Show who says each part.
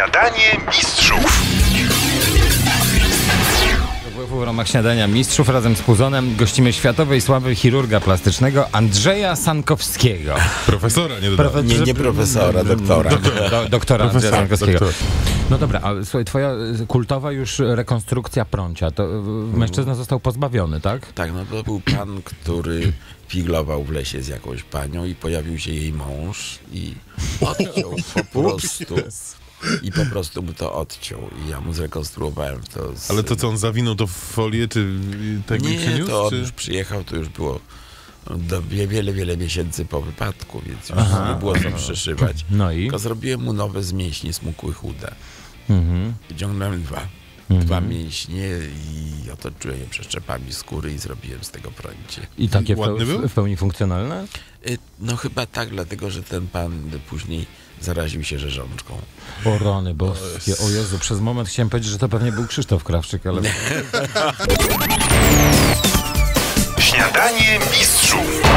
Speaker 1: Śniadanie mistrzów.
Speaker 2: W ramach Śniadania Mistrzów razem z Puzonem gościmy światowej sławy chirurga plastycznego Andrzeja Sankowskiego.
Speaker 3: Profesora, nie dodałem.
Speaker 4: Nie profesora, doktora.
Speaker 2: Doktora Andrzeja Sankowskiego.
Speaker 3: Doktor.
Speaker 2: No dobra, a słuchaj, twoja kultowa już rekonstrukcja prącia, to mężczyzna został pozbawiony, tak?
Speaker 4: Tak, no to był pan, który figlował w lesie z jakąś panią i pojawił się jej mąż i odciął po prostu. I po prostu mu to odciął i ja mu zrekonstruowałem to.
Speaker 3: Ale to co, on zawinął to w folię, czy tak mi
Speaker 4: Nie,
Speaker 3: przyniósł?
Speaker 4: to on
Speaker 3: czy...
Speaker 4: już przyjechał, to już było wiele miesięcy po wypadku, więc już nie było co przyszywać.
Speaker 2: No i?
Speaker 4: Tylko zrobiłem mu nowe z mięśni smukłych chude. Wyciągnąłem dwa mięśnie i otoczyłem je przeszczepami skóry i zrobiłem z tego prącie.
Speaker 2: I takie
Speaker 3: Ładny był?
Speaker 2: w pełni funkcjonalne?
Speaker 4: No chyba tak, dlatego że ten pan później zaraził się rzeżączką.
Speaker 2: O rany boskie, o Jezu, przez moment chciałem powiedzieć, że to pewnie był Krzysztof Krawczyk, ale...
Speaker 1: Śniadanie mistrzów.